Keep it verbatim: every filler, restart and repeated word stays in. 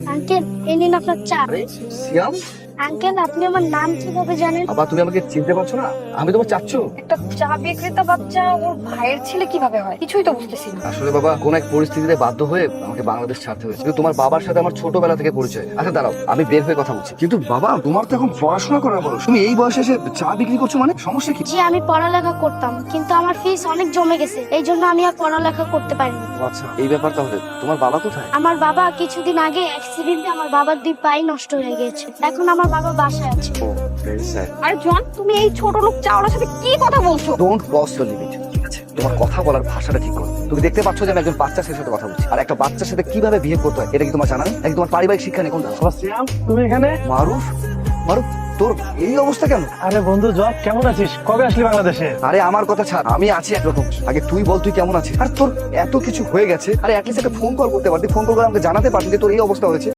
Uncle এই নিন আপনার চা। আরে সিয়াম, আঙ্কেল আপনি আমার নাম কিভাবে জানেন? বাবা তুমি আমাকে চিনতে পারছো না? আমি তোমার চাচ্চু। একটা চা বিক্রেতা বাচ্চা ওর ভাইয়ের ছেলে কিভাবে হয় কিছুই তো বুঝতেছি না। আসলে বাবা কোন এক পরিস্থিতিতে বাধ্য হয়ে আমাকে বাংলাদেশ ছাড়তে হয়েছে, কিন্তু তোমার বাবার সাথে আমার ছোটবেলা থেকে পরিচয়। আচ্ছা দাঁড়াও, আমি বের হয়ে কথা বলছি। কিন্তু বাবা তোমার তো এখন পড়াশোনা করার বয়স, তুমি এই বয়সে এসে চা বিক্রি করছো, মানে সমস্যা কি? জি আমি পড়ালেখা করতাম, কিন্তু আমার ফিস অনেক জমে গেছে, এই জন্য আমি আর পড়ালেখা করতে পারিনি। আচ্ছা এই ব্যাপার, তাহলে তোমার বাবা কোথায়? আমার বাবা কিছুদিন আগে অ্যাক্সিডেন্টে আমার বাবার দুই পাই নষ্ট হয়ে গেছে, এখন আমার বাবা বাসায় আছে। Oh very sad. আরে জন, তুমি এই ছোট লোক চাওয়ার সাথে কি কথা বলছো? ডোন্ট ক্রস দ্য লিমিট, ঠিক আছে? তোমার কথা বলার ভাষাটা ঠিক করো। তুমি দেখতে পাচ্ছ যে আমি একজন বাচ্চার সাথে কথা বলছি, আর একটা বাচ্চার সাথে কিভাবে বিহেভ করতে হয় এটা কি তোমার জানা নেই? নাকি তোমার পারিবারিক শিক্ষা নেই? কোনটা? সিয়াম, তুমি এখানে? মারুফ, মারুফ তোর এই অবস্থা কেন? আরে বন্ধু জব, কেমন আছিস? কবে আসলি বাংলাদেশে? আরে আমার কথা ছাড়, আমি আছি একরকম। আগে তুই বল তুই কেমন আছিস? আর তোর এত কিছু হয়ে গেছে, আরে অ্যাটলিস্ট একটা ফোন কল করতে পারতি, ফোন কল করে আমাকে জানাতে পারতি যে তোর এই অবস্থা হয়েছে।